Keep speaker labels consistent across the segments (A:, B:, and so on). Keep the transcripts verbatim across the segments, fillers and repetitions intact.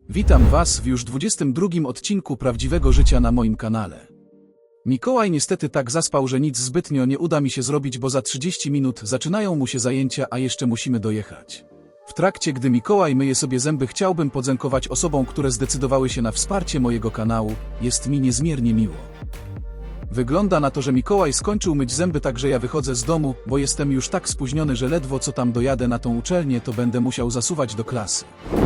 A: Witam Was w już dwudziestym drugim odcinku Prawdziwego Życia na moim kanale. Mikołaj niestety tak zaspał, że nic zbytnio nie uda mi się zrobić, bo za trzydzieści minut zaczynają mu się zajęcia, a jeszcze musimy dojechać. W trakcie, gdy Mikołaj myje sobie zęby, chciałbym podziękować osobom, które zdecydowały się na wsparcie mojego kanału. Jest mi niezmiernie miło. Wygląda na to, że Mikołaj skończył myć zęby, także ja wychodzę z domu, bo jestem już tak spóźniony, że ledwo co tam dojadę na tą uczelnię, to będę musiał zasuwać do klasy.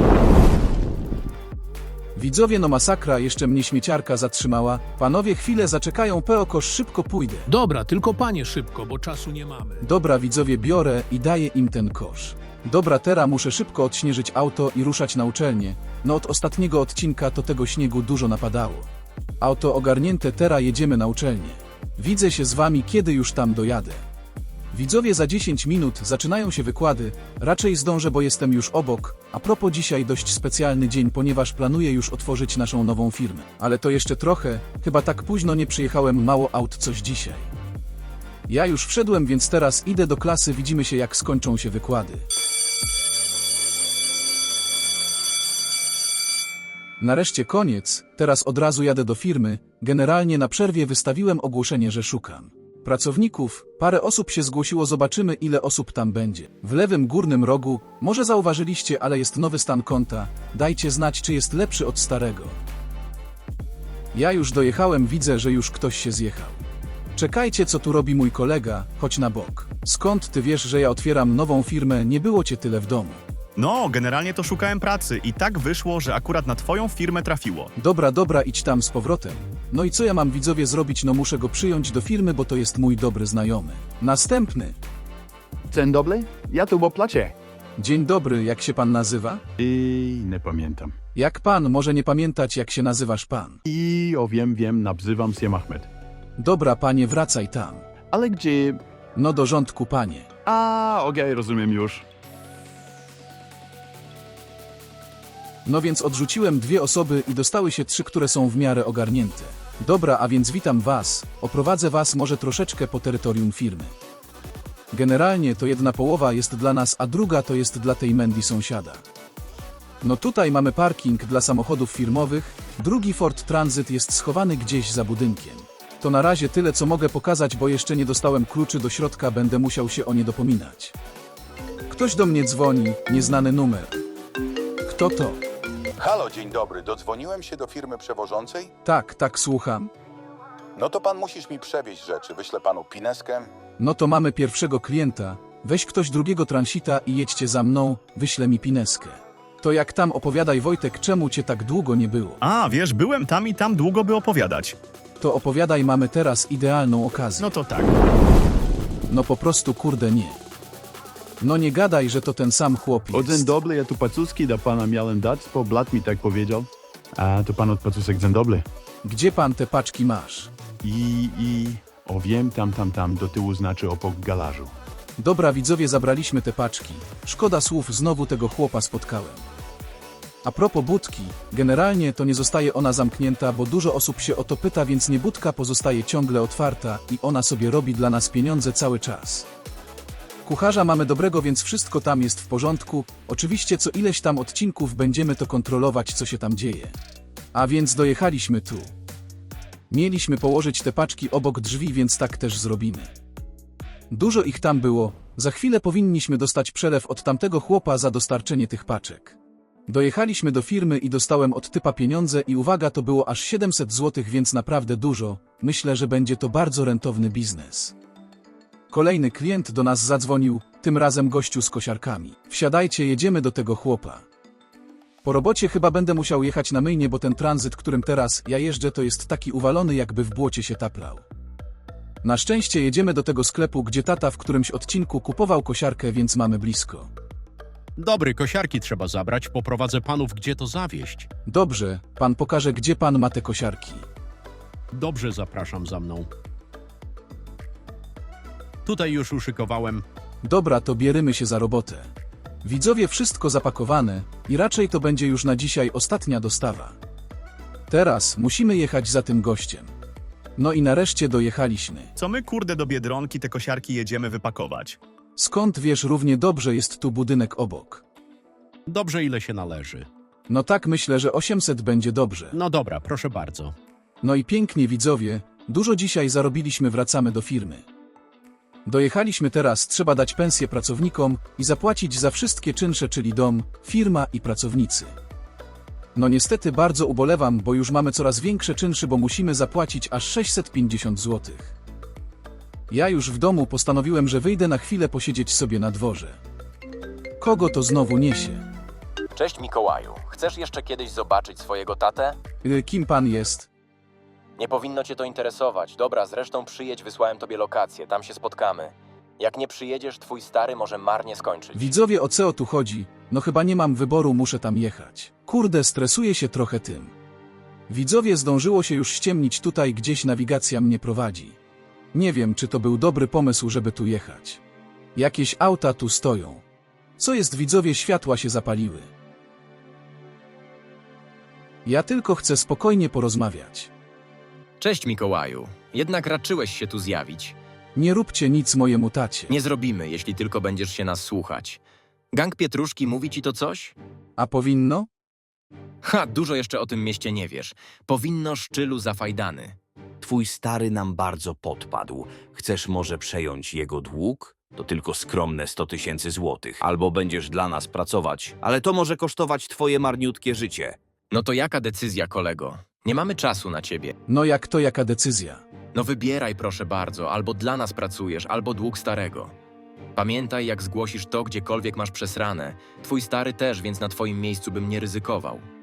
A: Widzowie, no masakra, jeszcze mnie śmieciarka zatrzymała. Panowie, chwilę zaczekają, peokosz, szybko pójdę.
B: Dobra, tylko panie szybko, bo czasu nie mamy.
A: Dobra widzowie, biorę i daję im ten kosz. Dobra, teraz muszę szybko odśnieżyć auto i ruszać na uczelnię. No od ostatniego odcinka to tego śniegu dużo napadało. Auto ogarnięte, teraz jedziemy na uczelnię. Widzę się z wami, kiedy już tam dojadę. Widzowie, za dziesięć minut zaczynają się wykłady, raczej zdążę, bo jestem już obok. A propos, dzisiaj dość specjalny dzień, ponieważ planuję już otworzyć naszą nową firmę. Ale to jeszcze trochę, chyba tak późno nie przyjechałem, mało aut coś dzisiaj. Ja już wszedłem, więc teraz idę do klasy, widzimy się jak skończą się wykłady. Nareszcie koniec, teraz od razu jadę do firmy. Generalnie na przerwie wystawiłem ogłoszenie, że szukam pracowników. Parę osób się zgłosiło, zobaczymy ile osób tam będzie. W lewym górnym rogu, może zauważyliście, ale jest nowy stan konta. Dajcie znać, czy jest lepszy od starego. Ja już dojechałem, widzę, że już ktoś się zjechał. Czekajcie, co tu robi mój kolega, chodź na bok. Skąd ty wiesz, że ja otwieram nową firmę? Nie było cię tyle w domu.
C: No, generalnie to szukałem pracy i tak wyszło, że akurat na twoją firmę trafiło.
A: Dobra, dobra, idź tam z powrotem. No i co ja mam, widzowie, zrobić? No muszę go przyjąć do firmy, bo to jest mój dobry znajomy. Następny.
D: Dzień dobry, ja tu w oplacie.
A: Dzień dobry, jak się pan nazywa?
D: I nie pamiętam.
A: Jak pan może nie pamiętać, jak się nazywasz pan?
D: I o wiem, wiem, nazywam się Ahmed.
A: Dobra, panie, wracaj tam.
D: Ale gdzie...
A: No do rządku, panie.
D: A, okej, rozumiem już.
A: No więc odrzuciłem dwie osoby i dostały się trzy, które są w miarę ogarnięte. Dobra, a więc witam was, oprowadzę was może troszeczkę po terytorium firmy. Generalnie to jedna połowa jest dla nas, a druga to jest dla tej Mandy sąsiada. No tutaj mamy parking dla samochodów firmowych, drugi Ford Transit jest schowany gdzieś za budynkiem. To na razie tyle, co mogę pokazać, bo jeszcze nie dostałem kluczy do środka, będę musiał się o nie dopominać. Ktoś do mnie dzwoni, nieznany numer. Kto to?
E: Halo, dzień dobry. Dodzwoniłem się do firmy przewożącej?
A: Tak, tak, słucham.
E: No to pan musisz mi przewieźć rzeczy. Wyślę panu pineskę.
A: No to mamy pierwszego klienta. Weź ktoś drugiego transita i jedźcie za mną, wyślę mi pineskę. To jak tam, opowiadaj, Wojtek, czemu cię tak długo nie było?
C: A, wiesz, byłem tam i tam długo by opowiadać.
A: To opowiadaj, mamy teraz idealną okazję.
C: No to tak.
A: No po prostu kurde nie. No nie gadaj, że to ten sam chłop
D: O, dzień
A: jest.
D: dobry, ja tu pacuski do pana miałem dać, bo blat mi tak powiedział. A, to pan od pacusek, dzień dobry.
A: Gdzie pan te paczki masz?
D: I, i... O wiem, tam, tam, tam, do tyłu znaczy obok garażu.
A: Dobra, widzowie, zabraliśmy te paczki. Szkoda słów, znowu tego chłopa spotkałem. A propos budki, generalnie to nie zostaje ona zamknięta, bo dużo osób się o to pyta, więc nie, budka pozostaje ciągle otwarta i ona sobie robi dla nas pieniądze cały czas. Kucharza mamy dobrego, więc wszystko tam jest w porządku. Oczywiście co ileś tam odcinków będziemy to kontrolować, co się tam dzieje. A więc dojechaliśmy tu. Mieliśmy położyć te paczki obok drzwi, więc tak też zrobimy. Dużo ich tam było. Za chwilę powinniśmy dostać przelew od tamtego chłopa za dostarczenie tych paczek. Dojechaliśmy do firmy i dostałem od typa pieniądze i uwaga, to było aż siedemset złotych, więc naprawdę dużo. Myślę, że będzie to bardzo rentowny biznes. Kolejny klient do nas zadzwonił, tym razem gościu z kosiarkami. Wsiadajcie, jedziemy do tego chłopa. Po robocie chyba będę musiał jechać na myjnię, bo ten tranzyt, którym teraz ja jeżdżę, to jest taki uwalony, jakby w błocie się taplał. Na szczęście jedziemy do tego sklepu, gdzie tata w którymś odcinku kupował kosiarkę, więc mamy blisko.
B: Dobry, kosiarki trzeba zabrać, poprowadzę panów, gdzie to zawieźć.
A: Dobrze, pan pokaże, gdzie pan ma te kosiarki.
B: Dobrze, zapraszam za mną. Tutaj już uszykowałem.
A: Dobra, to bierzemy się za robotę. Widzowie, wszystko zapakowane i raczej to będzie już na dzisiaj ostatnia dostawa. Teraz musimy jechać za tym gościem. No i nareszcie dojechaliśmy.
C: Co my, kurde, do Biedronki te kosiarki jedziemy wypakować?
A: Skąd wiesz, równie dobrze jest tu budynek obok.
B: Dobrze, ile się należy.
A: No tak, myślę, że osiemset będzie dobrze.
B: No dobra, proszę bardzo.
A: No i pięknie, widzowie, dużo dzisiaj zarobiliśmy, wracamy do firmy. Dojechaliśmy teraz, trzeba dać pensję pracownikom i zapłacić za wszystkie czynsze, czyli dom, firma i pracownicy. No niestety bardzo ubolewam, bo już mamy coraz większe czynsze, bo musimy zapłacić aż sześćset pięćdziesiąt złotych. Ja już w domu postanowiłem, że wyjdę na chwilę posiedzieć sobie na dworze. Kogo to znowu niesie?
F: Cześć Mikołaju, chcesz jeszcze kiedyś zobaczyć swojego tatę?
A: Y, Kim pan jest?
F: Nie powinno cię to interesować. Dobra, zresztą przyjedź, wysłałem tobie lokację, tam się spotkamy. Jak nie przyjedziesz, twój stary może marnie skończyć.
A: Widzowie, o co tu chodzi? No chyba nie mam wyboru, muszę tam jechać. Kurde, stresuję się trochę tym. Widzowie, zdążyło się już ściemnić, tutaj gdzieś nawigacja mnie prowadzi. Nie wiem, czy to był dobry pomysł, żeby tu jechać. Jakieś auta tu stoją. Co jest, widzowie, światła się zapaliły. Ja tylko chcę spokojnie porozmawiać.
F: Cześć Mikołaju, jednak raczyłeś się tu zjawić.
A: Nie róbcie nic mojemu tacie.
F: Nie zrobimy, jeśli tylko będziesz się nas słuchać. Gang Pietruszki mówi ci to coś?
A: A powinno?
F: Ha, dużo jeszcze o tym mieście nie wiesz. Powinno Szczylu Zafajdany.
G: Twój stary nam bardzo podpadł. Chcesz może przejąć jego dług? To tylko skromne sto tysięcy złotych. Albo będziesz dla nas pracować, ale to może kosztować twoje marniutkie życie.
F: No to jaka decyzja, kolego? Nie mamy czasu na ciebie.
A: No jak to, jaka decyzja?
F: No wybieraj proszę bardzo, albo dla nas pracujesz, albo dług starego. Pamiętaj, jak zgłosisz to, gdziekolwiek masz przesrane. Twój stary też, więc na twoim miejscu bym nie ryzykował.